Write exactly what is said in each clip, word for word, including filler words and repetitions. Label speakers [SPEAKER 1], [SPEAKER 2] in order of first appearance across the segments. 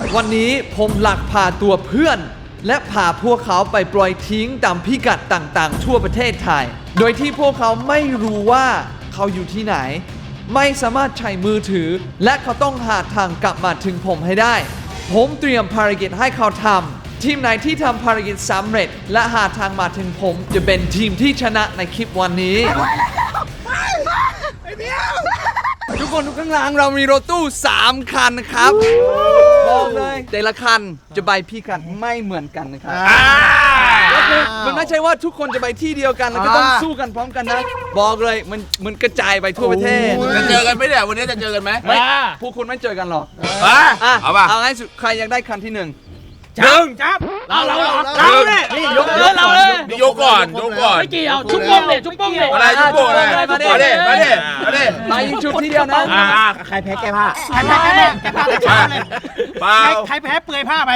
[SPEAKER 1] วันนี้ผมหลักพาตัวเพื่อนและพาพวกเขาไปปล่อยทิ้งตามพิกัดต่างๆทั่วประเทศไทยโดยที่พวกเขาไม่รู้ว่าเขาอยู่ที่ไหนไม่สามารถใช้มือถือและเขาต้องหาทางกลับมาถึงผมให้ได้ผมเตรียมภารกิจให้เขาทำทีมไหนที่ทำภารกิจสำเร็จและหาทางมาถึงผมจะเป็นทีมที่ชนะในคลิปวันนี้ทุกคนทุกข้างหลังเรามีรถตู้สามคันนะครับบอกเลยแต่ละคันจะใบพี่กันไม่เหมือนกันนะครับก็คือมันไม่ใช่ว่าทุกคนจะไปที่เดียวกันแล้วก็ต้องสู้กันพร้อมกันนะบอกเลยมันมันกระจายไปทั่วประเทศ
[SPEAKER 2] จะเจอกันไหมเนี่ยวันนี้จะเจอกันไหม
[SPEAKER 1] ไม่พวกคุณไม่เจอกันหรอก
[SPEAKER 2] เอาป่ะ
[SPEAKER 1] เอาง่ายสุดใครอยากได้คันที่หนึ่ง
[SPEAKER 2] หนึ่ง
[SPEAKER 3] จับเราเราเราเนี่ยนี่ยกเยอะเราเลย
[SPEAKER 2] นี่ยกก่อนยกก่อน
[SPEAKER 3] ไม่เกี่ยวชุบโป้งเนี่ยชุบโป้งเนี่ย
[SPEAKER 2] อะไรชุบโป้งอะไรมาดิมาดิมาดิมาดิ
[SPEAKER 1] มายิงชุบทีเดียวนะ
[SPEAKER 3] ใครแพ้แก้ผ้าใครแพ้แก้ผ้าแก้ผ้าแก้ผ้าเลย
[SPEAKER 2] เปล่า
[SPEAKER 3] ใครแพ้เปลือยผ้าไป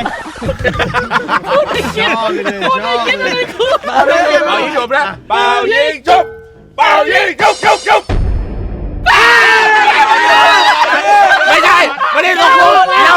[SPEAKER 2] ชอบเลยชอบเลยเปล่ายิงชุบนะเปล่ายิงชุบเปล่ายิงชุบชุบชุบไม่ใช่ไม่ได้ลงมือเดียว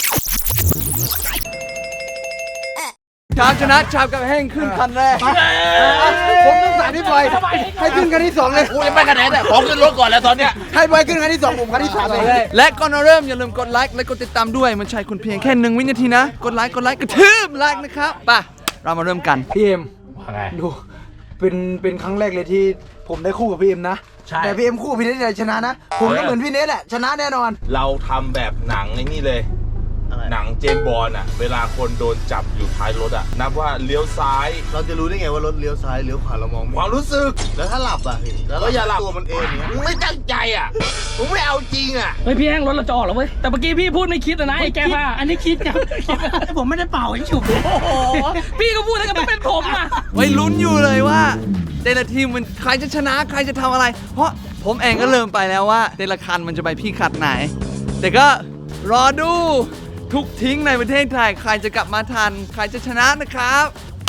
[SPEAKER 1] ชามชนะชามกับแห้งขึ้นคันแรกผมต้องสาธิตไปให้ขึ้นคันที่สองเลย
[SPEAKER 2] กูยังไม่คะแนนแต่ขอขึ้นรถก่อนแล้วตอนเนี้ย
[SPEAKER 1] ให้ไปขึ้นคันที่สองผมคันที่สามเลยและก่อนเราเริ่มอย่าลืมกดไลค์และกดติดตามด้วยมันใช้คุณเพียงแค่หนึ่งวินาทีนะกดไลค์กดไลค์กระทืบไลค์นะครับป่ะเรามาเริ่มกัน
[SPEAKER 4] พี่เอ็มดูเป็นเป็นครั้งแรกเลยที่ผมได้คู่กับพี่เอ็มนะแต่พี่เอ็มคู่พี่เนทเลยชนะนะผมก็เหมือนพี่เนทแหละชนะแน่นอน
[SPEAKER 2] เราทำแบบหนังไอ้นี่เลยหนังเจมส์บอนด์อ่ะเวลาคนโดนจับอยู่ท้ายรถอ่ะนับว่าเลี้ยวซ้าย
[SPEAKER 5] เราจะรู้ได้ไงว่ารถเลี้ยวซ้ายเลี้ยวขวาเรามอง
[SPEAKER 2] ความรู้สึก
[SPEAKER 5] แล้วถ้าหลับอ่ะพี่แล้ว
[SPEAKER 2] อย่าหลับ
[SPEAKER 5] ตัวมันเองเนี่ย
[SPEAKER 2] มึงไม่ตั้งใจอ่ะมึงไม่เอาจริงอ่ะ
[SPEAKER 3] เฮ้ยพี่แห้งรถเราจะออกแล้วเว้ยแต่เมื่อกี้พี่พูดไม่คิดนะไอ้แก้ผ้าอันนี้คิดจังผมไม่ได้เป่าไอ้ฉุบพี่ก็พูดแล้วก็ต้องเป็นผมอ่ะ
[SPEAKER 1] ไว้ลุ้นอยู่เลยว่าแต่ละทีมมันใครจะชนะใครจะทำอะไรเพราะผมเองก็เริ่มไปแล้วว่าแต่ละคันมันจะไปพี่ขัดไหนแต่ก็รอดูทุกทิ้งในประเทศไทยใครจะกลับมาทันใครจะชนะนะครับ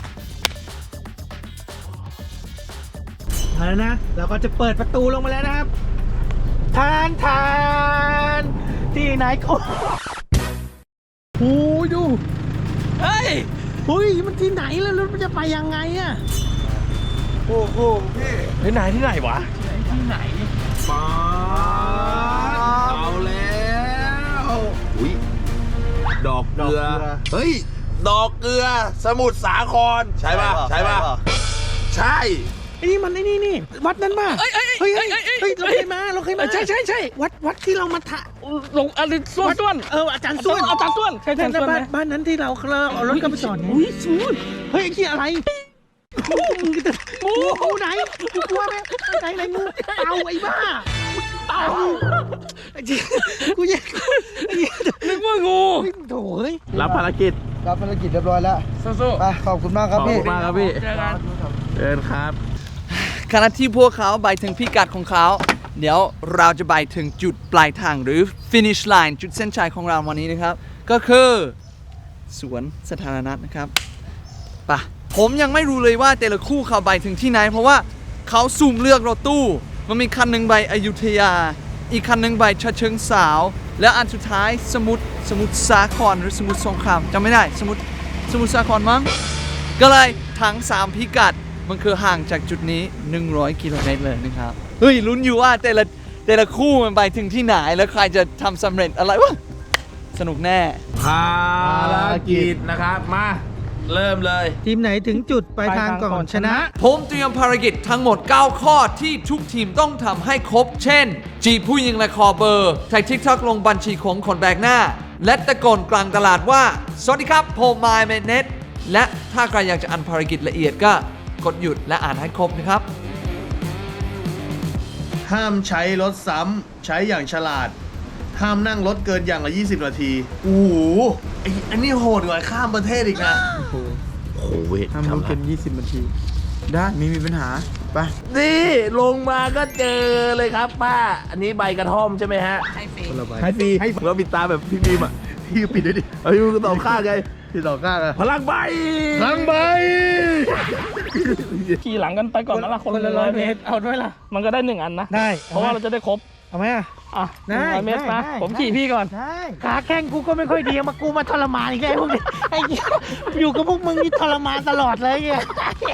[SPEAKER 3] เอาแล้วนะเราก็จะเปิดประตูลงมาแล้วนะครับทานทานที่ไหนเขาโอ้ยดูเฮ้ยเฮ้ยมันที่ไหนแล้วรถมันจะไปยังไงอะ
[SPEAKER 5] โอ้โหพี่
[SPEAKER 3] ที่ไหนที่ไหนวะที่ไหน
[SPEAKER 2] มาเอาแล้วอุ้ยดอกเกลือเฮ้ยดอกเกลือสมุทรสาครใช่ป่ะใช่ป่ะใช่
[SPEAKER 3] ไอ้นี่มันไอ้นี่นี่วัดนั้นป่ะเฮ้ยเฮ้ยเฮ้ยเฮ้ยเราเคยมาเราเคยมาใช่ใช่ใช่วัดวัดที่เรามาถ่าลงอะไรส่วนส่วนเอออาจารย์ส่วนอาจารย์ส่วนใช่ใช่บ้านบ้านนั้นที่เราเราเอารถกลับไปจอดไงอุ้ยส่วนเฮ้ยไอ้ที่อะไรมึงจะงูงูไหนกูกลัวไหมไหนไหนงูเต่าไอ้บ้าเต่าไอ้จีกูแยกนึกว่างูโถ่เฮ้ย
[SPEAKER 2] รับภารกิจ
[SPEAKER 4] รับภารกิจเรียบร้อยแล้วสู้ๆไปขอบคุณมากครับพี่
[SPEAKER 2] ขอบคุณมากครับพี่เจอกันเจอกันครับ
[SPEAKER 1] ขณะที่พวกเขาไปถึงพิกัดของเขาเดี๋ยวเราจะไปถึงจุดปลายทางหรือ finish line จุดเส้นชัยของเราวันนี้นะครับก็คือสวนสาธารณะนะครับป่ะผมยังไม่รู้เลยว่าแต่ละคู่เขาไปถึงที่ไหนเพราะว่าเขาสุ่มเลือกรถตู้มันมีคันหนึ่งไปอยุธยาอีกคันหนึ่งไปฉะเชิงเทราและอันสุดท้ายสมุทรสมุทรสาครหรือสมุทรสงครามจำไม่ได้สมุทรสมุทรสาครมั้งก็เลยทั้งสามพิกัดมันคือห่างจากจุดนี้หนึ่งร้อยกิโลเมตรเลยนะครับเฮ้ยลุ้นอยู่ว่าแต่ละแต่ละคู่มันไปถึงที่ไหนแล้วใครจะทำสำเร็จอะไรวะสนุกแน่
[SPEAKER 2] ภารกิจนะครับมาเริ่มเลย
[SPEAKER 3] ทีมไหนถึงจุดปลายทางก่อนชนะ
[SPEAKER 1] ผมเตรียมภารกิจทั้งหมดเก้าข้อที่ทุกทีมต้องทำให้ครบเช่นจีบผู้หญิงและคอเบอร์ถ่ายทิกท็อกลงบัญชีของคนแปลกหน้าและตะโกนกลางตลาดว่าสวัสดีครับผมมายเมเนตและถ้าใครอยากจะอ่านภารกิจละเอียดก็กดหยุดและอ่านให้ครบนะครับ
[SPEAKER 5] ห้ามใช้รถซ้ำใช้อย่างฉลาดห้ามนั่งรถเกินอย่างละยี่สิบนาทีโอ้โหไอ้อันนี้โหดกว่าข้ามประเทศอีกนะ
[SPEAKER 2] โอ้โห
[SPEAKER 4] ห้ามรถเกินยี่สิบนาทีได้ไม่มีปัญหาไป
[SPEAKER 2] นี่ลงมาก็เจอเลยครับป้าอันนี้ใบกระท่อมใช่ไหมฮะ
[SPEAKER 4] ให้ฟรี
[SPEAKER 2] ให้ฟรีเราปิดตาแบบพี่บีมอ่ะ
[SPEAKER 5] พี่ปิดด้วยดิ
[SPEAKER 2] เฮ้ยมึงก็ต่อข้างไง
[SPEAKER 5] พี่ต่อข้างอะ
[SPEAKER 2] พลังใบ
[SPEAKER 5] พลังใบ
[SPEAKER 3] ขี่หลังกันไปก่อนนะละคนละร้อยเมตรเอาด้วยล่ะมันก็ได้หนึ่งอันนะ
[SPEAKER 4] ได้
[SPEAKER 3] เพราะว่าเราจะได้ครบเอาไหมอ่ะ
[SPEAKER 6] อ่ะ
[SPEAKER 3] ได้
[SPEAKER 6] ร้อยเมตร
[SPEAKER 3] ได้
[SPEAKER 6] มา
[SPEAKER 3] ได้
[SPEAKER 6] ผมขี่พี่ก่อน
[SPEAKER 3] ได้ขาแข้งกูก็ไม่ค่อยดีมากูมาทรมานอีกแล้วพวกนี้ไอ้เหี้ยอยู่กับพวกมึงนี่ทรมานตลอดเลยเนี่ย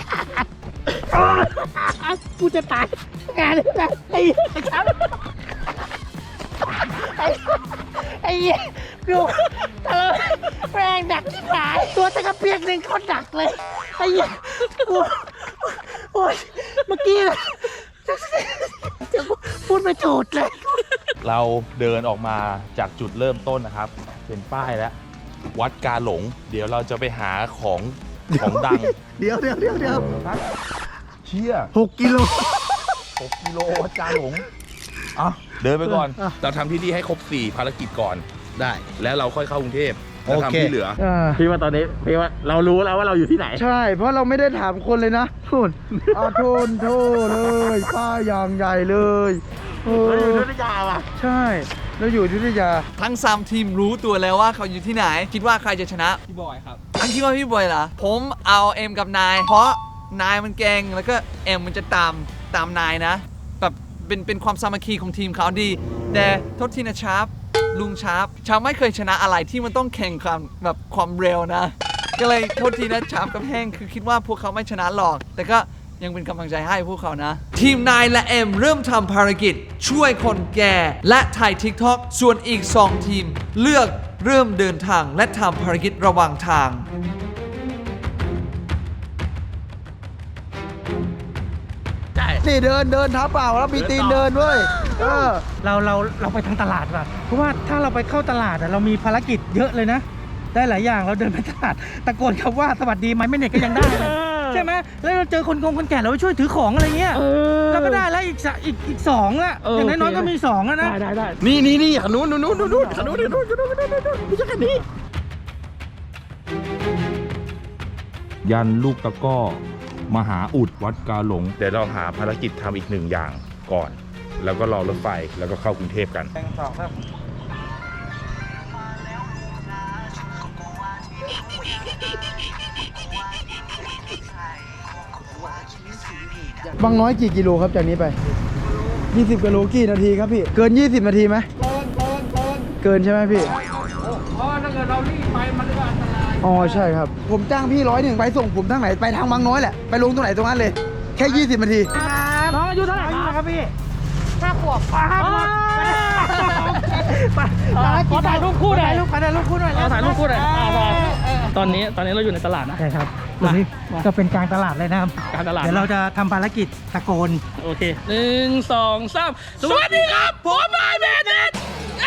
[SPEAKER 3] กูจะตายงานนี้นะไอ้เหี้ยครับไอ้ไอ้เหี้ยกูทรมานแรงดักที่ผายตัวตะกระเปียกหนึ่งเขาดักเลยไอ้เหี้ยกูโอ๊ยเมื่อกี้จะพูดไม่ถูกเลย
[SPEAKER 2] เราเดินออกมาจากจุดเริ่มต้นนะครับ เป็นป้ายแล้ว วัดกาหลง เดี๋ยวเราจะไปหาของของดัง
[SPEAKER 5] เดี๋ยวเดี๋ยวเดี๋ยวเดี๋ยว
[SPEAKER 2] เชี่ย
[SPEAKER 5] หกกิโล
[SPEAKER 2] หกกิโลวัดกาหลงอ่ะเดินไปก่อน เราทำที่นี่ให้ครบสี่ภารกิจก่อน
[SPEAKER 5] ได้
[SPEAKER 2] แล้วเราค่อยเข้ากรุงเทพแล้ว
[SPEAKER 5] โอเค
[SPEAKER 2] ทำที่เหลือ
[SPEAKER 6] พี่ว่าตอนนี้พี่ว่าเรารู้แล้วว่าเราอยู่ที่ไหน
[SPEAKER 4] ใช่ เพราะเราไม่ได้ถามคนเลยนะทุนอาทุนโทเลยป้ายอย่างใหญ่เลยเออ
[SPEAKER 3] ยุทธยาว่ะ
[SPEAKER 4] ใช่เราอยู่อยุธยา
[SPEAKER 1] ทั้งสามทีมรู้ตัวแล้วว่าเขาอยู่ที่ไหน คิดว่าใครจะชนะ
[SPEAKER 6] พี่บอยครับ
[SPEAKER 1] อันคิดว่าพี่บอยเหรอผมเอาเอ็มกับนาย เพราะนายมันเก่งแล้วก็เอ็มมันจะตามตามนายนะแบบเป็นเป็นความสามัคคีของทีมเขาดี แต่โทษทีนะชาร์ปลุงชาร์ปชาร์ปไม่เคยชนะอะไรที่มันต้องแข่งความแบบความเร็วนะ ก็เลยโทษทีนะชาร์ปกับแห้งคือคิดว่าพวกเขาไม่ชนะหรอก แต่ก็ยังเป็นกำลังใจให้พวกเขานะ ทีมนายและเอ็มเริ่มทำภารกิจช่วยคนแก่และถ่าย TikTok ส่วนอีก สอง ทีมเลือกเริ่มเดินทางและทำภารกิจระหว่างทาง
[SPEAKER 4] นี่เดินเดินเท้าเปล่าแล้วมีตีนเดินเว้ยเออ
[SPEAKER 3] เราเราเราไปทางตลาดว่ะเพราะว่าถ้าเราไปเข้าตลาดอะเรามีภารกิจเยอะเลยนะ ได้หลายอย่างเราเดินไปตลาดตะโกนคำว่าสวัสดีไหมไม่เน็ตก็ยังได้เลยใช่ไหมแล้วเราเจอคนกงคนแก่เราไปช่วยถือของอะไรเงี้ย
[SPEAKER 6] เออ
[SPEAKER 3] เราก็ได้แล้วอีกสะอีกอีกสองอะ
[SPEAKER 6] เออ
[SPEAKER 3] อย่างน้อยๆ
[SPEAKER 6] โอเค
[SPEAKER 3] ก็มีสองอะนะ
[SPEAKER 6] ได้ได้ได้
[SPEAKER 5] นี่นี่นี่ขนุนนู้นนู้นนู้นนู้นขนุนนู้นนู้นขนุนนู้นนู้นไม่ใช่แค่นี้
[SPEAKER 2] ยันลูกตะก้อมหาอุดวัดกาหลง เดี๋ยวเราหาภารกิจทำอีกหนึ่งอย่างก่อน แล้วก็รอรถไฟแล้วก็เข้ากรุงเทพกัน
[SPEAKER 4] บางน้อยกี่กิโลครับจากนี้ไป ยี่สิบกิโลกี่นาทีครับพี่ เกิน ยี่สิบ นาทีไหมเกินเกินเกินเกินใช่ไหมพี่
[SPEAKER 6] เพราะถ้าเกิดเรารีบไปมันก็อันตราย
[SPEAKER 4] อ๋อใช่ครับ ผมจ้างพี่ร้อยหนึ่งไปส่งผมทางไหนไปทางบางน้อยแหละ ไปลงตรงไหนตรงนั้นเลย แค่ ยี่สิบ นาที
[SPEAKER 6] น้องอายุเท่าไหร่ครับ
[SPEAKER 3] พี่
[SPEAKER 6] ห้าขวบ
[SPEAKER 3] ห้าขวบ ไป
[SPEAKER 6] ขอถ่ายรูปคู่หน่อย
[SPEAKER 3] ถ่ายรูปถ่ายรูปคู่หน่อย
[SPEAKER 6] ขอถ่ายรูปคู่หน่อยอ่าได้ตอนนี้ตอนนี้เราอยู่ในตลาดนะ
[SPEAKER 3] ใช่ครับตรงนี้ก็เป็นกลางตลาดเลยนะครับ
[SPEAKER 6] การตลาด
[SPEAKER 3] เดี๋ยวเราจะทำภารกิจตะโกน
[SPEAKER 6] โอเคหนึ่งสองสามสวัสดีครับผมนายเบนเน็ตเอ้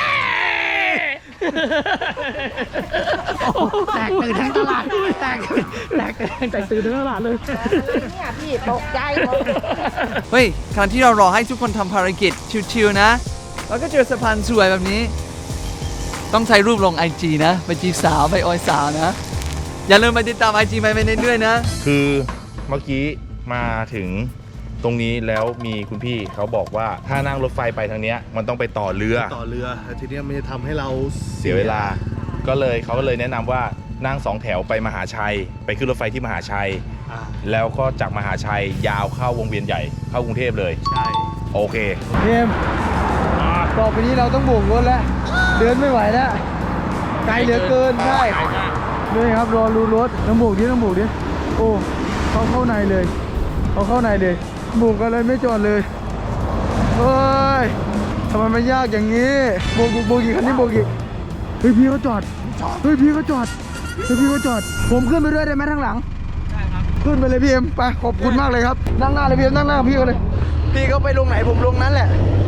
[SPEAKER 3] แตกตื่นทั้งตลาดแตกแตกตื่น
[SPEAKER 6] แตกตื่นทั้งตลาดเลย
[SPEAKER 7] เนี่ยพี่ตกใจหมด
[SPEAKER 1] เฮ้ยขณะที่เรารอให้ทุกคนทำภารกิจชิวๆนะ แล้วก็เจอสะพานสวยแบบนี้ ต้องใช้รูปลง ไอ จี นะ ไปจีบสาว ไปออยสาวนะ อย่าลืมไปติดตาม ไอ จี ไปไปเน็ตด้วยนะ
[SPEAKER 2] คือเมื่อกี้มาถึงตรงนี้แล้วมีคุณพี่เขาบอกว่าถ้านั่งรถไฟไปทางเนี้ยมันต้องไปต่อเรือ
[SPEAKER 5] ต่อเรือแล้วทีเนี้ยมันจะทำให้เรา
[SPEAKER 2] เสียเวลา ก็เลยเขาก็เลยแนะนำว่านั่งสองแถวไปมหาชัย ไปขึ้นรถไฟที่มหาชัย
[SPEAKER 5] อ่า
[SPEAKER 2] แล้วก็จากมหาชัยยาวเข้าวงเวียนใหญ่เข้ากรุงเทพเลย
[SPEAKER 5] ใช่
[SPEAKER 2] โอเค
[SPEAKER 4] เอ็มต่อไปนี้เราต้องโบกรถแล้ว เดินไม่ไหวแล้ว ไกลเหลือเกิน ใช่ด้วยครับ รอรูรถต้องโบกดิต้องโบกดิโอ้เขาเข้าในเลยเขาเข้าในเลยโบกอะไรไม่จอดเลยเฮ้ยทำไมมันยากอย่างนี้โบกโบกโบกอีกคันนี้โบกอีกเฮ้ยพี่เขาจอดเฮ้ยพี่เขาจอดเฮ้ยพี่เขาจอด ผมขึ้นไปด้วยได้ไหมทางหลังได้ครับขึ้นไปเลยพี่เอ็มไปขอบคุณมากเลยครับนั่งหน้าเลยพี่เอ็มนั่งหน้ากับพี่เขาเลยพี่เขาไปลงไหนผมลงนั้นแหละ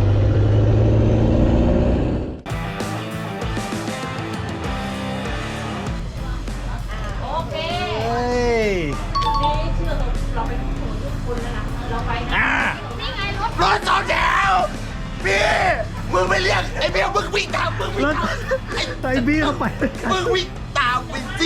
[SPEAKER 7] โอเค
[SPEAKER 5] เฮ้ย
[SPEAKER 7] นี่เชื่อเราเราไปทุกคนทุกคนแล้วนะเราไปนะนี่ไงรถ
[SPEAKER 2] รถสองแถวพี่ มึงไปเรียกไอ้เบลมึงวิ่งตามมึงวิ่งตาม
[SPEAKER 3] ไตบี้เข้าไป
[SPEAKER 2] มึงวิ่งตามไปสิ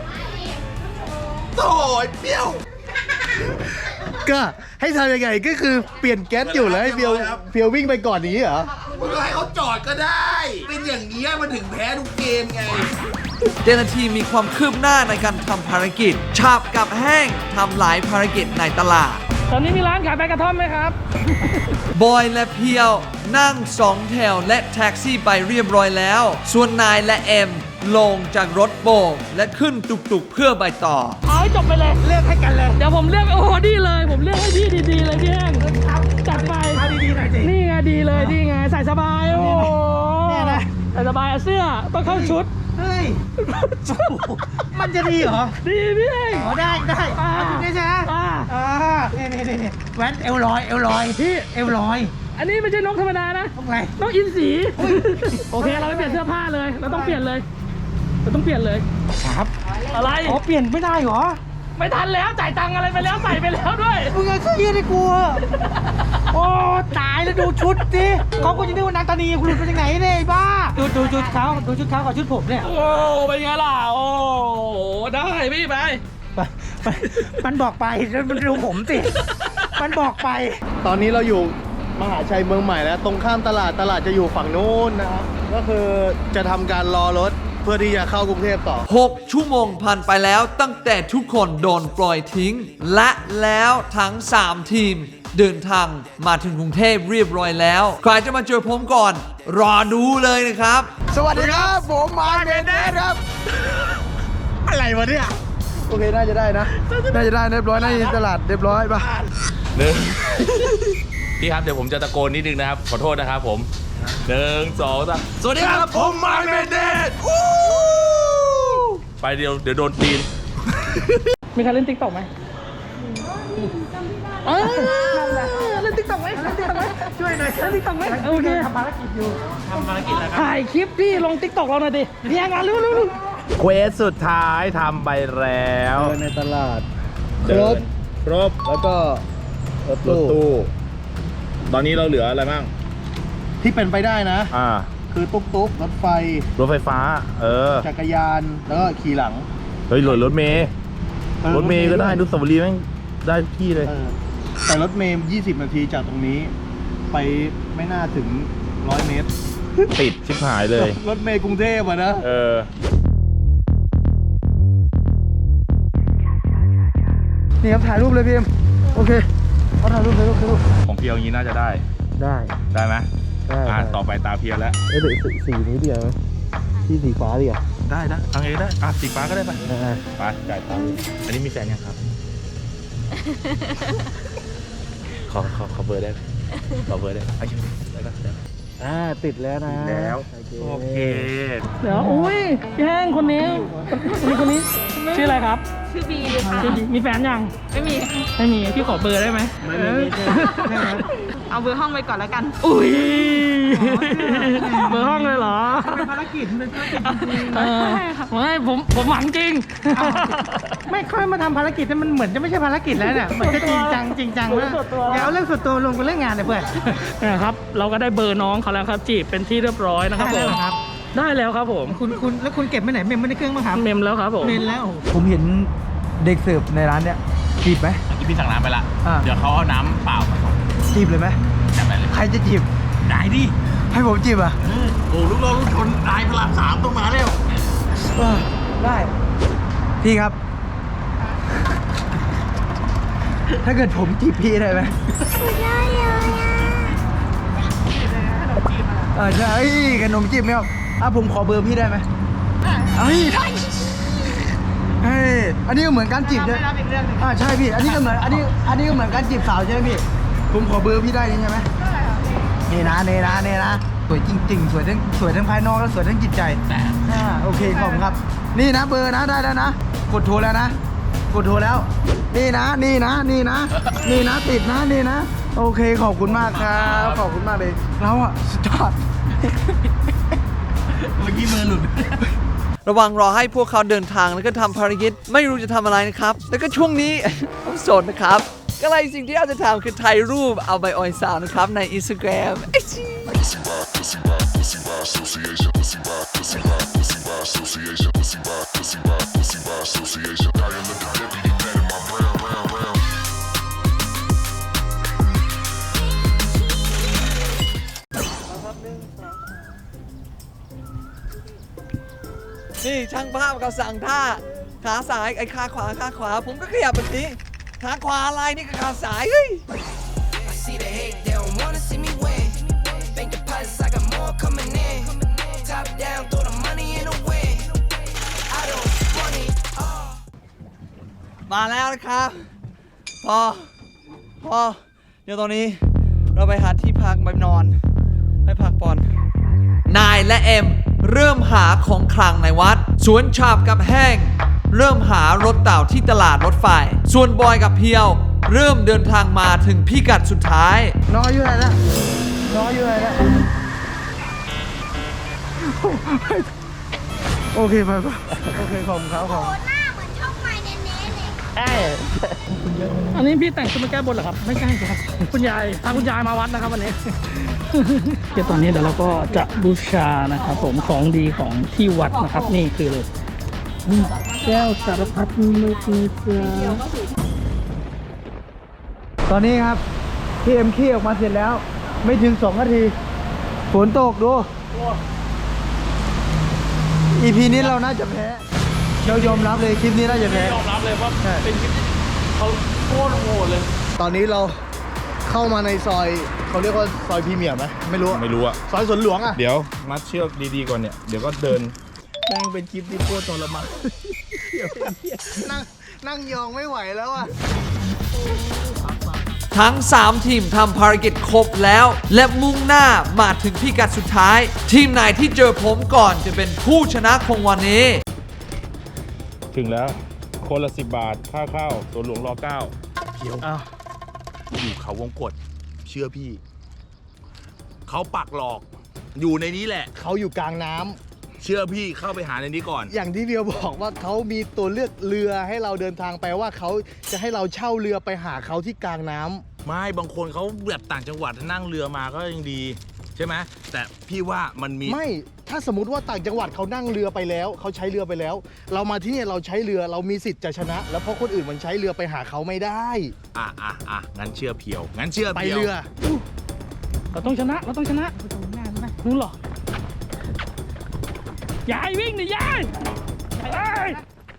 [SPEAKER 2] โถ่ไอ้เปรี้ยว
[SPEAKER 5] ก็ให้ทำยังไงก็คือเปลี่ยนแก๊สอยู่แล้วให้เฟียวเฟียววิ่งไปก่อนอย่างนี้เหรอ
[SPEAKER 2] มึงก็ให้เขาจอดก็ได้ เป็นอย่างนี้ยมันถึงแพ้ทุกเกมไง
[SPEAKER 1] เจ้าหน้าที่มีความคืบหน้าในการทำภารกิจฉาบกับแห้งทำหลายภารกิจในตลาด
[SPEAKER 6] ตอนนี้มีร้านขายใบกระท่อมไหมครับ
[SPEAKER 1] บอยและเพียวนั่งสองแถวและแท็กซี่ไปเรียบร้อยแล้ว ส่วนนายและเอ็มลงจากรถโบกและขึ้นตุกๆเพื่อไปต่อ
[SPEAKER 6] เอาให้จบไปเลย
[SPEAKER 3] เลือกให้กันเลย
[SPEAKER 6] เดี๋ยวผมเลือกโอ้โหดีเลย ผมเลือกให้พี่ดีๆเลยพี่แห้งจัดไป
[SPEAKER 3] เอาดีๆหน่อยสิ
[SPEAKER 6] นี่ไงดีเลยนี่ไงใส่สบายโอ้โห
[SPEAKER 3] เนี่ยนะ
[SPEAKER 6] ใส่สบายเอาเสื้อต้องเข้าชุด
[SPEAKER 3] เฮ้ย มันจะดีเหรอ
[SPEAKER 6] ดีพี่แห้ง
[SPEAKER 3] อ๋อได้ได้
[SPEAKER 6] อ่า
[SPEAKER 3] เอาจริงๆใช่ไหม
[SPEAKER 6] อ่า
[SPEAKER 3] อ่านี่นี่นี่นี่แว่นเอวลอยเอวลอย
[SPEAKER 6] พี่
[SPEAKER 3] เอวลอย
[SPEAKER 6] อันนี้ไม่ใช่นกธรรมดานะ
[SPEAKER 3] ต้องไง
[SPEAKER 6] นกอินทรีโอเคเราไปเปลี่ยนเสื้อผ้าเลย เราต้องเปลี่ยนเลย เราต้องเปลี่ยนเลย
[SPEAKER 3] ครับ
[SPEAKER 6] อะไร
[SPEAKER 3] อ๋อเปลี่ยนไม่ได้เหรอ
[SPEAKER 6] ไม่ทันแล้วจ่ายตังค์อะไรไปแล้วใส่ไปแล้วด้วย
[SPEAKER 3] มึงเอาเสื้อยืดให้กูเหอะโอ้ตายแล้วดูชุดสิเขาก็จะนึกว่านางตานีกูหลุดมาจากไหนเนี่ยไอ้บ้า ดูดูชุดเขาดูชุดเขากับชุดผมเนี่ย
[SPEAKER 6] โอ้เป็นไงล่ะโอ้ได้พี่ไป
[SPEAKER 3] ไปไปมันบอกไปแล้วมันดูผมสิ มันบอกไป
[SPEAKER 5] ตอนนี้เราอยู่มหาชัยเมืองใหม่แล้ว ตรงข้ามตลาดตลาดจะอยู่ฝั่งนู้นนะครับ ก็คือจะทำการรอรถเพื่อที่จะเข้ากรุงเทพต่อ
[SPEAKER 1] หก ชั่วโมงผ่านไปแล้วตั้งแต่ทุกคนโดนปล่อยทิ้ง และแล้วทั้ง สาม ทีม เดินทางมาถึงกรุงเทพเรียบร้อยแล้ว ใครจะมาเจอผมก่อน รอดูเลยนะครับ
[SPEAKER 4] สวัสดีครับ ผมมาเมนเดสครับ
[SPEAKER 3] อะไรวะเนี่ย
[SPEAKER 4] โอเค น่าจะได้นะ น่าจะได้เรียบร้อย น่าจะตลาดเรียบร้อยป่ะ
[SPEAKER 2] หนึ่ง พี่ครับเดี๋ยวผมจะตะโกนนิดนึงนะครับ ขอโทษนะครับผมหนึ่งสองสามสวัสดีครับผมมาร์คเมนเดสไปเดี๋ยวเดี๋ยวโดนตีน
[SPEAKER 6] มีใครเล่นติ๊กต็อกไหมเออเล่นติ๊กต็อกไหมเล่นติ๊กต็อกไหมช่วยหน่อยเล่นติ๊กต็อกไหมโอเค
[SPEAKER 3] ทำภารกิจอยู่ทำภารกิจแล้วครับ
[SPEAKER 6] ถ่ายคลิปพี่ลงติ๊กต็อกเราหน่อยดิเรียงงานเร็วๆ
[SPEAKER 2] เควสสุดท้ายทำไปแล้ว
[SPEAKER 4] เดินในตลาด ค
[SPEAKER 2] เดิ
[SPEAKER 4] ร
[SPEAKER 2] น
[SPEAKER 4] บ
[SPEAKER 2] ครบ
[SPEAKER 4] แล้วก็รถ
[SPEAKER 2] รถ
[SPEAKER 4] ตู้
[SPEAKER 2] ตู้ ตอนนี้เราเหลืออะไรบ้าง
[SPEAKER 5] ที่เป็นไปได้นะ
[SPEAKER 2] อ่า
[SPEAKER 5] คือตุ๊กตุ๊กรถไฟ
[SPEAKER 2] รถไฟฟ้า เออ
[SPEAKER 5] จักรยาน แล้วก็ขี่หลัง
[SPEAKER 2] เฮ้ยรถรถเมย์
[SPEAKER 5] ออ
[SPEAKER 2] รถเมย์ก็ได้นุสาวรีย์แม่งได้ทุกที่เลย
[SPEAKER 5] เออแต่รถเมย์ยี่สิบนาทีจากตรงนี้ ไปไม่น่าถึงร้อยเมตร
[SPEAKER 2] ติดชิบหายเลย
[SPEAKER 5] รถเมย์กรุงเทพอะนะ
[SPEAKER 2] เออ
[SPEAKER 4] นี่ครับถ่ายรูปเลยพี่เอ็มโอเคเอาถ่ายรูปถ่ายรูปถ่ายรูป
[SPEAKER 2] ของเพียวอย่างนี้น่าจะได้
[SPEAKER 4] ได้
[SPEAKER 2] ได้ไหม
[SPEAKER 4] ได้
[SPEAKER 2] อ่า
[SPEAKER 4] ได้
[SPEAKER 2] ต่อไปตาเพียวแล้ว
[SPEAKER 4] เอ้ยเดี๋ยวสีสีนี้เดียวไหมที่สีฟ้าเดียว
[SPEAKER 2] ได้นะทางเองได้ อ่ะสีฟ้าก็ได้ไป
[SPEAKER 4] อ่า
[SPEAKER 2] ไปจ่ายตังค์อันนี้มีแฟนยังครับ ขอขอขอเบอร์ได้ไหมขอเบอร์ได้ไหมเอาอย่างนี้ได้ปะได้ปะ
[SPEAKER 4] อ่าติดแล้วนะ
[SPEAKER 2] แล้ว โอเค
[SPEAKER 6] เดี๋ยวอุ้ยพี่แห้งคนนี้คนนี้คนนี้ชื่ออะไรครับ
[SPEAKER 7] ชื่อบีค่ะ
[SPEAKER 6] ชื่อบีมีแฟนยัง
[SPEAKER 7] ไม่มี
[SPEAKER 6] ไม่มีพี่ขอเบอร์ได้ไหม
[SPEAKER 3] ไม่ไม่ไม่ไม่ไม่
[SPEAKER 7] เอาเบอร์ห้องไปก่อนแล้วกัน
[SPEAKER 6] อุ้ยเบอร์ห้องเลยเหรอ
[SPEAKER 3] เป็นภารกิจเป็นภารกิจจริง
[SPEAKER 6] เออไม่ผมผมหวังจริง
[SPEAKER 3] ๆไม่ค่อยมาทำภารกิจมันเหมือนจะไม่ใช่ภารกิจแล้วเนี่ยเหมือนจะจริงจังจริงจังแล้วอย่าเอาเรื่องส่วนตัวลงกับเรื่องงานเลยเพื่อน
[SPEAKER 6] นะครับเราก็ได้เบอร์น้องเขาแล้วครับจีบเป็นที่เรียบร้อยนะครับ
[SPEAKER 3] ได้
[SPEAKER 6] ผ
[SPEAKER 3] แล้ว
[SPEAKER 6] ม
[SPEAKER 3] เหรอครับ
[SPEAKER 6] ได้แล้วครับผม
[SPEAKER 3] คุณคุณแล้วคุณเก็บไว้ไหนเมมไว้ในเครื่องมั้างครับ
[SPEAKER 6] เมมแล้วครับผม
[SPEAKER 3] เมมแล้ว
[SPEAKER 4] ผมเห็นเด็กเสิร์ฟในร้านเนี้ยจีบไหม
[SPEAKER 2] เมื่อกี้พี่สั่งน้ำไปละ
[SPEAKER 4] อ่า
[SPEAKER 2] เดี๋ยวเขาเอาน้ำเปล่ามาส่ง
[SPEAKER 4] จีบเลยไหม
[SPEAKER 2] จัดไปเลย
[SPEAKER 4] ใครจะจีบ
[SPEAKER 2] ได้ดิ
[SPEAKER 4] ให้ผมจีบอ่ะ
[SPEAKER 2] โอ้ลูกน้องลูกชนนายพระรามสามต้องมาแล้ว
[SPEAKER 4] เออได้ พี่ครับ ถ้าเกิดผมจีบพี่ได้ไหมอ่าใช่ขนมจีบไหมครับอ่ะผมขอเบอร์พี่ได้ไหมเอ้ยเฮ้ยอันนี้ก็เหมือนการจีบใช่ไหมอ่าใช่พี่ อันนี้ก็เหมือน อันนี้ อันนี้ก็เหมือนการจีบสาวใช่ไหมพี่ ผมขอเบอร์พี่ได้ใช่ไหมนี่นะนี่นะนี่นะ สวยจริงๆ สวยทั้งสวยทั้งภายนอกและสวยทั้งจิตใจอ่าโอเคขอบคุณครับ นี่นะเบอร์นะได้แล้วนะ กดโทรแล้วนะ กดโทรแล้ว นี่นะ นี่นะ นี่นะ นี่นะติดนะ นี่นะ โอเคขอบคุณมากครับ ขอบคุณมากเลยเราอะสุดยอด
[SPEAKER 2] เมื่อกี้มือหลุด
[SPEAKER 1] ระหว่างรอให้พวกเขาเดินทางแล้วก็ทำภารกิจไม่รู้จะทำอะไรนะครับ แล้วก็ช่วงนี้ ผมโสดนะครับ ก็เลยสิ่งที่เราจะทำคือถ่ายรูปเอาไปออยสาวนะครับใน Instagram ไอจี นี่ช่างภาพเขาสั่งท่าขาซ้ายไอ้ขาขวาขาขวา ผมก็ขยับแบบนี้ขาขวาอะไรนี่ก็ขาซ้ายเฮ้ย
[SPEAKER 8] I see the hate, they don't wanna see me win. Think Plus, I got more coming in. Top down, throw the money in the wind. I don't want it all.
[SPEAKER 1] มาแล้วนะครับ พอ พอ เดี๋ยวตอนนี้เราไปหาที่พักไปนอนให้พักผ่อนนายและเอ็มเริ่มหาของคลังในวัด สวนฉาบกับแห้งเริ่มหารถเต่าที่ตลาดรถไฟ ส่วนบอยกับเพียวเริ่มเดินทางมาถึงพิกัดสุดท้าย
[SPEAKER 4] น้อยอยู่ไหนละน้อยอยู่ไหนละโอเคไปไปโอเคขอบคุณครับขอบคุณ
[SPEAKER 7] หน้าเหมือนช่องไฟเน้นๆเลย
[SPEAKER 6] อันนี้พี่แต่งชุดมาแก้บนเหรอครับ ไม่ใช่ครับ คุณยายพาคุณยายมาวัดนะครับวันนี้ เดี๋ยวตอนนี้เดี๋ยวเราก็จะบูชานะครับผมของดีของที่วัดนะครับ นี่คือเลยแก้วสารพัดนึกนิเสือ
[SPEAKER 4] ตอนนี้ครับพี่เอ็มขี้ออกมาเสร็จแล้ว ไม่ถึงสองนาทีฝนตกดู อีพีนี้เราน่าจะแพ้เรายอมรับเลยคลิปนี้น่าจะแพ้
[SPEAKER 6] ยอมรับเลยว่าเป็นคลิปที่เขาโคตรโหดเลย
[SPEAKER 5] ตอนนี้เราเข้ามาในซอยเขาเรียกว่าซอยพรีเมียร์ไหมไม่รู้
[SPEAKER 2] ไม่รู้อะ
[SPEAKER 5] ซอยสวนหลวงอะ
[SPEAKER 2] เดี๋ยวมัดเชือกดีๆก่อนเนี่ย เดี๋ยวก็เดิน
[SPEAKER 5] แม่งเป็นคลิปที่โคตรทรมานนั่งนั่งยองไม่ไหวแล้วอะ
[SPEAKER 1] ทั้งสามทีมทำภารกิจครบแล้ว และมุ่งหน้ามาถึงพิกัดสุดท้าย ทีมไหนที่เจอผมก่อนจะเป็นผู้ชนะของวันนี้
[SPEAKER 2] ถึงแล้ว คนละสิบบาท ค่าเข้าสวนหลวงรอเก้า
[SPEAKER 5] เดี๋ยว
[SPEAKER 6] อ้าว
[SPEAKER 2] อยู่เขาวงกฏเชื่อพี่ เขาปักหลอก อยู่ในนี้แหละ
[SPEAKER 5] เขาอยู่กลางน้ำ
[SPEAKER 2] เชื่อพี่เข้าไปหาในนี้ก่อน
[SPEAKER 5] อย่างที่เบียวบอกว่าเขามีตัวเลือกเรือให้เราเดินทางไปว่าเขาจะให้เราเช่าเรือไปหาเขาที่กลางน้ำ
[SPEAKER 2] ไม่บางคนเขาแบบต่างจังหวัดนั่งเรือมาก็ยังดี ใช่ไหมแต่พี่ว่ามันมี
[SPEAKER 5] ไม่ถ้าสมมติว่าต่างจังหวัดเขานั่งเรือไปแล้วเขาใช้เรือไปแล้ว เรามาที่เนี่ยเราใช้เรือเรามีสิทธิ์จะชนะ แล้วเพราะคนอื่นมันใช้เรือไปหาเขาไม่ได้
[SPEAKER 2] อ่ะอ่ะอ่ะงั้นเชื่อเพียว งั้นเชื่อ
[SPEAKER 5] ไป
[SPEAKER 2] เพียว
[SPEAKER 5] เรือ
[SPEAKER 6] เราต้องชนะ เราต้องชนะนู้นเหรอ ยายวิ่งดิยายเอ้ย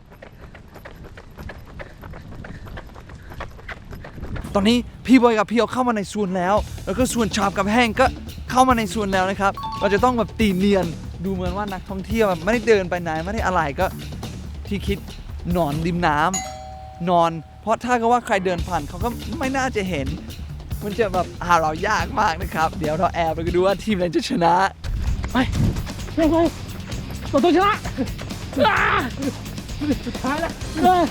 [SPEAKER 1] ตอนนี้พี่บอยกับพี่เอาเข้ามาในสวนแล้ว แล้วก็สวนฉาบกับแห้งก็เข้ามาในสวนแล้วนะครับ เราจะต้องแบบตีเนียนดูเหมือนว่านักท่องเที่ยวแบบไม่ได้เดินไปไหนไม่ได้อะไรก็ที่คิดนอนริมน้ำนอน เพราะถ้าก็ว่าใครเดินผ่านเขาก็ไม่น่าจะเห็น มันจะแบบหาเรายากมากนะครับ เดี๋ยวเราแอบไปดูว่าทีมไหนจะชนะ
[SPEAKER 6] ไปเร็วๆเราต้องชนะอ่าสุดท้ายแล้วเอ้ย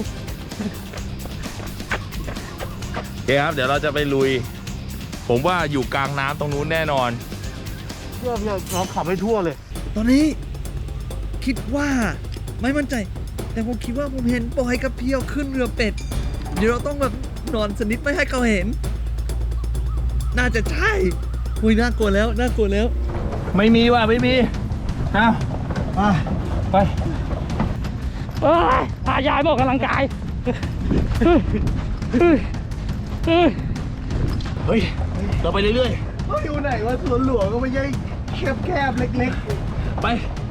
[SPEAKER 2] โอเคครับ เดี๋ยวเราจะไปลุย ผมว่าอยู่กลางน้ำตรงนู้นแน่นอน
[SPEAKER 5] เพื่อเพื่อเราขับให้ทั่วเลย
[SPEAKER 1] ตอนนี้คิดว่าไม่มั่นใจ แต่ผมคิดว่าผมเห็นบอยกับเพียวขึ้นเรือเป็ด เดี๋ยวเราต้องแบบนอนสนิทไม่ให้เขาเห็น น่าจะใช่อุ้ยน่ากลัวแล้วน่ากลัวแล้ว
[SPEAKER 6] ไม่มีว่ะไม่มีเอาไปเอ้ยพายายบอกกำลังกายเฮ้ยเฮ้ยเฮ้ย
[SPEAKER 2] เฮ้ย เราไปเรื่อย
[SPEAKER 5] เขาอยู่ไหนว่าสวนหลวงก็ไม่ใช่แคบๆเล็ก
[SPEAKER 2] ๆ ไป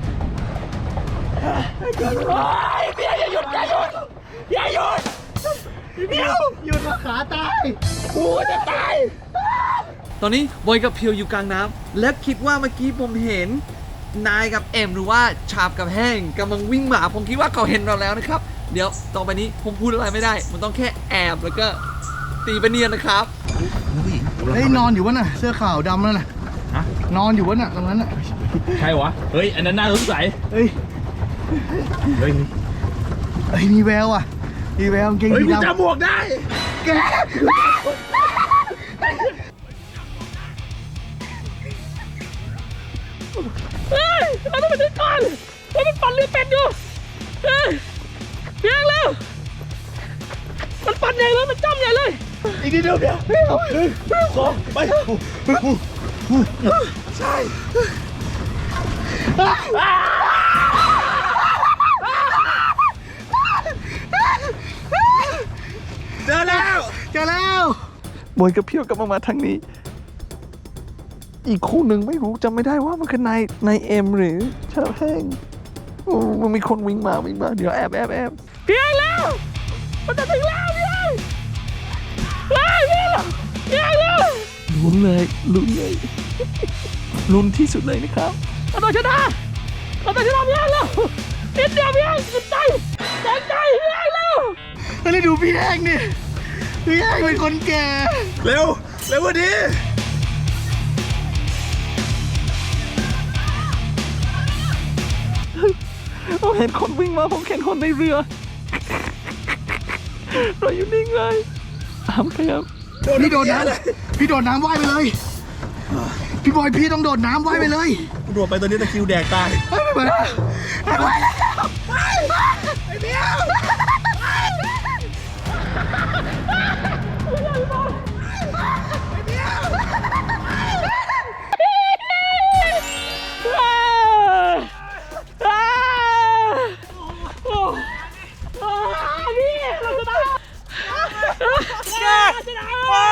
[SPEAKER 5] ๆหยุดมาขาตาย
[SPEAKER 1] ตอนนี้บอยกับเพียวอยู่กลางน้ำและคิดว่าเมื่อกี้ผมเห็นนายกับเอ็มหรือว่าชาบกับแห้งกำลังวิ่งมาผมคิดว่าเขาเห็นเราแล้วนะครับ เดี๋ยวต่อไปนี้ผมพูดอะไรไม่ได้ มันต้องแค่แอบแล้วก็ตีไปเนียนนะครับ
[SPEAKER 5] เฮ้ยนอนอยู่วะน่ะเสื้อขาวดำนั่นน่ะ
[SPEAKER 2] ฮะ
[SPEAKER 5] นอนอยู่วะน่ะตรงนั้นน่ะ
[SPEAKER 2] ใช่วะ เฮ้ย อันนั้นน่าสงสัย
[SPEAKER 5] เฮ้ย
[SPEAKER 2] เฮ้ย
[SPEAKER 5] เฮ้ยมีแววอ่ะมีแววกางเกง
[SPEAKER 2] เฮ้ย
[SPEAKER 5] สี
[SPEAKER 2] กู
[SPEAKER 5] ดำ
[SPEAKER 2] จำบวกได้
[SPEAKER 5] แก
[SPEAKER 6] เฮ้ยเราต้องไปถึงก่อนเฮ้ยมันปั่นเรือเป็ดอยู่เฮ้ยเพียงแล้วมันปั่นใหญ่เลยมันจ้ำใหญ่เลย
[SPEAKER 5] อีกนิดเดียวเดียวเดียวหนึ่งสองไปใช่
[SPEAKER 1] เจอแล้ว
[SPEAKER 5] เจอแล้ว
[SPEAKER 1] บอยกับเพียวกลับมามาทางนี้ อีกคู่หนึ่งไม่รู้จำไม่ได้ว่ามันคือนายนายเอ็มหรือชาบแห้งโอ้มันมีคนวิ่งมาวิ่งมาเดี๋ยวแอบแอบแอบ
[SPEAKER 6] เพียงแล้วมันจะถึงแล้วเพียงเฮ้ยเพียงเพียงแล้ว
[SPEAKER 1] ลุ้นเลยลุ้นเลย
[SPEAKER 6] เ
[SPEAKER 1] ลุ้นที่สุดเลยนะครับ
[SPEAKER 6] เราต้องชนะเราต้องชนะพี่แห้งแล้วนิดเดียวพี่แห้งสุดใจแรงใจพี่แห้งแล้ว
[SPEAKER 4] เฮ้ยดูพี่แห้งนี่พี่แห้งเป็นคนแก่
[SPEAKER 2] เร็ว เร็วกว่านี้
[SPEAKER 1] ผมเห็นคนวิ่งมาผมเห็นคนในเรือ เราอยู่นิ่งเลยอ้ามครับ
[SPEAKER 4] พี่โดดน้ำพี่โดดน้ำว่ายไปเลย พี่บอยพี่ต้องโดดน้ำว่ายไปเลย
[SPEAKER 2] โดดไปตอนนี้ตะคริวแดกตาย
[SPEAKER 4] เฮ้ยไม่ไปแล้วไม่ไปแล้ว
[SPEAKER 6] นี่เราชนะชนะ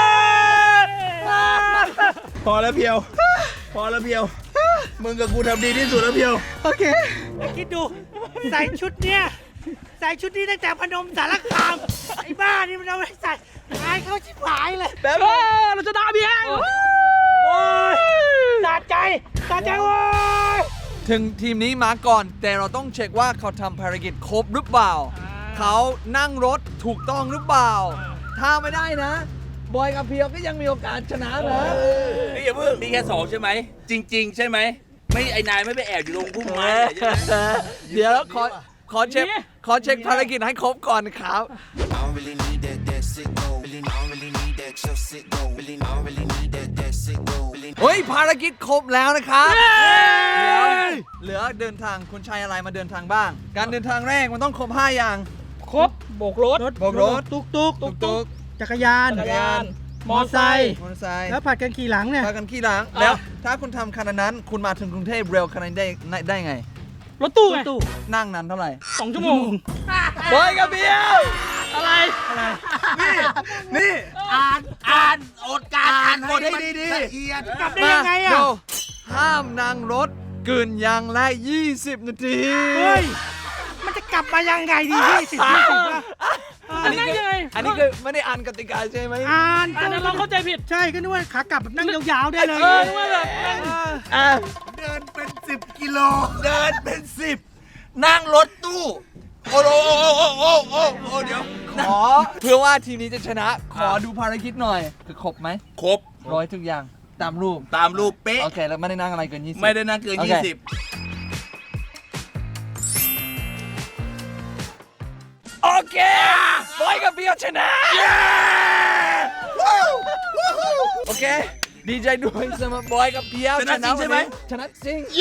[SPEAKER 2] พอแล้วเพียว พอแล้วเพียว มึงกับกูทำดีที่สุดแล้วเพียว
[SPEAKER 4] โอเค
[SPEAKER 3] คิดดู ใส่ชุดเนี้ยใส่ชุดนี้ตั้งแต่พนมสารคาม ไอ้บ้านี่มันเอาไปใส่อายเขาชิบหายเลย
[SPEAKER 6] แบบเราชนะพี่แห้ง
[SPEAKER 3] โอ้ยสะใจสะใจโว้ย
[SPEAKER 1] ถึงทีมนี้มาก่อน แต่เราต้องเช็คว่าเขาทำภารกิจครบหรือเปล่า เขานั่งรถถูกต้องหรือเปล่า ถ้าไม่ได้นะ บอยกับเพียวก็ยังมีโอกาสชนะนะ
[SPEAKER 9] นี่อย่าเพิ่งนี่แค่สองใช่ไหม จริง ๆ ใช่ไหม ไม่ไอ้นายไม่ไปแอบอยู่ตรงพุ่มไม้ใช่ไหม
[SPEAKER 1] เดี๋ยวขอขอเช็คขอเช็คภารกิจให้ครบก่อนนะครับ
[SPEAKER 8] I don't really need that, that sick go. Really, I don't really need that, your sick go. Really, I don't really need that, that sick go. Really,
[SPEAKER 1] เฮ้ยภารกิจครบแล้วนะครับเดี๋ยวเหลือเดินทางคุณชัยอะไรมาเดินทางบ้าง การเดินทางแรกมันต้องครบห้าอย่าง
[SPEAKER 6] ครบโบกรถ
[SPEAKER 1] โบกรถ
[SPEAKER 3] ตุกตุก
[SPEAKER 1] ตุกตุก
[SPEAKER 3] จักรยาน
[SPEAKER 6] จักรยาน
[SPEAKER 3] มอไซค์
[SPEAKER 1] มอเตอร์ไซค์
[SPEAKER 3] แล้วผัดกันขี่หลังเนี่ย
[SPEAKER 1] พากันขี้หลังแล้วถ้าคุณทำขนาดนั้นคุณมาถึงกรุงเทพเร็วขนาดนี้ได้ได้ไง
[SPEAKER 6] รถตู้ไง
[SPEAKER 3] ตู้
[SPEAKER 1] นั่งนั้นเท่าไหร่
[SPEAKER 6] สองชั่วโมง
[SPEAKER 1] บอยกับเพียว
[SPEAKER 6] อะไร
[SPEAKER 2] นี่
[SPEAKER 3] อ่าน
[SPEAKER 2] อ่านอดการอ่านบทให้ดี
[SPEAKER 3] ละเอียดกลับได้ยังไงอ่ะ
[SPEAKER 1] ดูห้ามนั่งรถเกินอย่างละยี่สิบนาที
[SPEAKER 3] เฮ้ย มันจะกลับมายังไงดียี่สิบยี่สิบวะ
[SPEAKER 1] อันนี้คือ
[SPEAKER 6] นั่งยังไง
[SPEAKER 1] อันนี้คือไม่ได้อ่านกติกาใช่ไหม
[SPEAKER 3] อ่าน
[SPEAKER 6] อันนั้นเราเข้าใจผิด
[SPEAKER 3] ใช่ก็นึกว่าขากลับแบบนั่งยาวๆได้เลย
[SPEAKER 6] เออนึกว่าแบบนั่ง
[SPEAKER 1] อ่ะ
[SPEAKER 2] ๆ เดินเป็นสิบกิโล เดินเป็นสิบ นั่งรถตู้ โอ้โหโอ้โหโอ้โหโอ้โหโอ้เดี๋ยว
[SPEAKER 1] ขอเพื่อว่าทีมนี้จะชนะ ขอดูภารกิจหน่อย คือครบไหม
[SPEAKER 2] ครบ
[SPEAKER 1] ร้อยทุกอย่างตามรูป
[SPEAKER 2] ตามรูปเป๊ะ
[SPEAKER 1] โอเค แล้วไม่ได้นั่งอะไรเกินยี่สิบ
[SPEAKER 2] ไม่ได้นั่งเกิน
[SPEAKER 1] โอเค
[SPEAKER 2] ยี่สิบ
[SPEAKER 1] โอเคบอยกับเพียวชนะ โอเค ดีใจด้วยสำหรับบอยกับเพียว
[SPEAKER 2] ชนะจริงใช่ไหม
[SPEAKER 1] ชนะจริง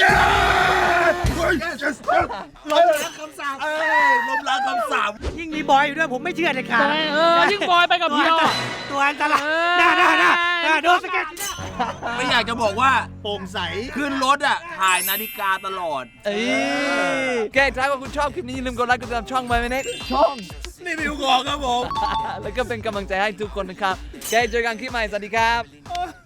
[SPEAKER 2] ลมล้างคำสาปเอ้ยลมล้างคำสาป
[SPEAKER 3] ยิ่งมีบอยอยู่ด้วยผมไม่เชื่อเลยค่ะ
[SPEAKER 6] ใช่เออยิ่งบอยไปกับเพียวอะ
[SPEAKER 3] ตัวอันตรายน่าน่าน่าน่าโดนสเก็ต
[SPEAKER 2] ไม่อยากจะบอกว่า
[SPEAKER 5] โปร่งใส
[SPEAKER 2] ขึ้นรถอ่ะ ถ่ายนาฬิกาตลอด
[SPEAKER 1] เอ้ยโอเคถ้าว่าคุณชอบคลิปนี้อย่าลืมกดไลค์กดติดตามช่องไว้ไหมเน็กช่อง
[SPEAKER 2] นี่วิวของครับผม
[SPEAKER 1] แล้วก็เป็นกำลังใจให้ทุกคนนะครับโอเคเจอกันคลิปใหม่ สวัสดีครับ
[SPEAKER 6] โอ้